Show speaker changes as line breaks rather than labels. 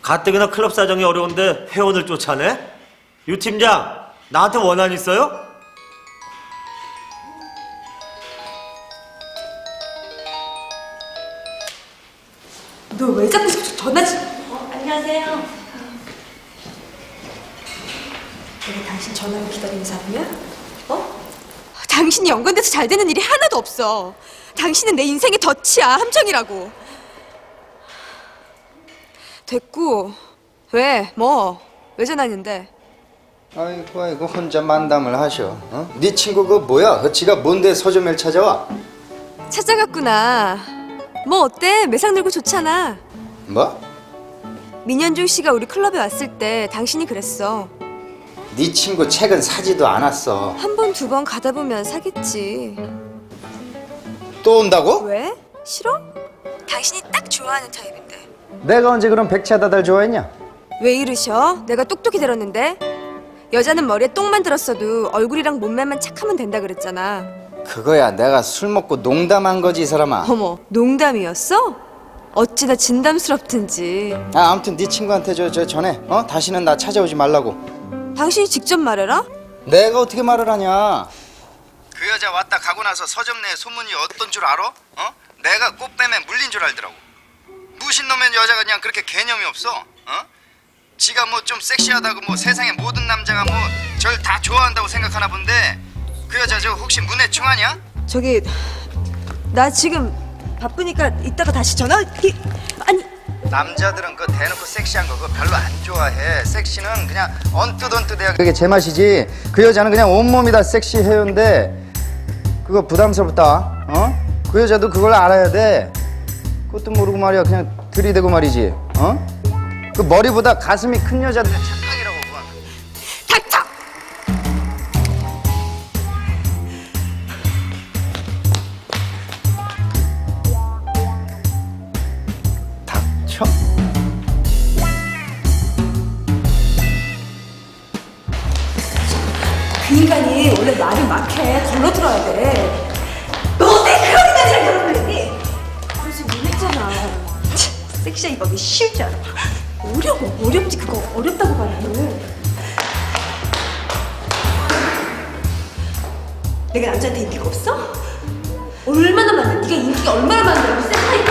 가뜩이나 클럽 사정이 어려운데 회원을 쫓아내? 유 팀장, 나한테 원한 있어요?
너 왜 자꾸 전화지?
안녕하세요.
내가 당신 전화를 기다리는 사람이야? 어? 당신이 연관돼서 잘 되는 일이 하나도 없어. 당신은 내 인생의 덫이야, 함정이라고. 됐고, 왜? 뭐? 왜 전화했는데?
아이고 혼자 만담을 하셔. 어? 네 친구 그 뭐야? 지가 뭔데 서점을 찾아와?
찾아갔구나. 뭐 어때? 매상 늘고 좋잖아.
뭐?
민현중 씨가 우리 클럽에 왔을 때 당신이 그랬어.
네 친구 책은 사지도 않았어.
한 번, 두 번 가다 보면 사겠지.
또 온다고?
왜? 싫어? 당신이 딱 좋아하는 타입인데.
내가 언제 그런 백차다달 좋아했냐?
왜 이러셔? 내가 똑똑히 들었는데. 여자는 머리에 똥만 들었어도 얼굴이랑 몸매만 착하면 된다 그랬잖아.
그거야 내가 술 먹고 농담한 거지 이 사람아.
어머, 농담이었어? 어찌나 진담스럽든지.
아무튼 네 친구한테 저 전에 다시는 나 찾아오지 말라고.
당신이 직접 말해라?
내가 어떻게 말을 하냐. 그 여자 왔다 가고 나서 서점 내 소문이 어떤 줄 알아? 내가 꽃뱀에 물린 줄 알더라고. 무신 놈의 여자가 그냥 그렇게 개념이 없어. 지가 뭐 좀 섹시하다고 뭐 세상의 모든 남자가 뭐 절 다 좋아한다고 생각하나 본데 그 여자 저 혹시 문해충 아니야?
저기 나 지금 바쁘니까 이따가 다시 전화. 아니
남자들은 그 대놓고 섹시한 거 그거 별로 안 좋아해. 섹시는 그냥 언뜻언뜻해야 그게 제맛이지. 그 여자는 그냥 온몸이 다 섹시해요인데 그거 부담스럽다. 그 여자도 그걸 알아야 돼. 그것도 모르고 말이야 그냥 들이대고 말이지. 그 머리보다 가슴이 큰 여자들은 착각이라고 그건.
닥쳐!
닥쳐?
그 인간이 원래 말이 막해. 걸러들어야 돼. 너 어떻게 그런 인간이랑 결혼을 했니? 그래서 못했잖아. 섹시한 이법이 쉬울 줄 알아. 어려워. 어렵지. 그거 어렵다고 말해. 내가 남자한테 인기가 없어? 얼마나 많아. 네가 인기가 얼마나 많은데. 섹시하니까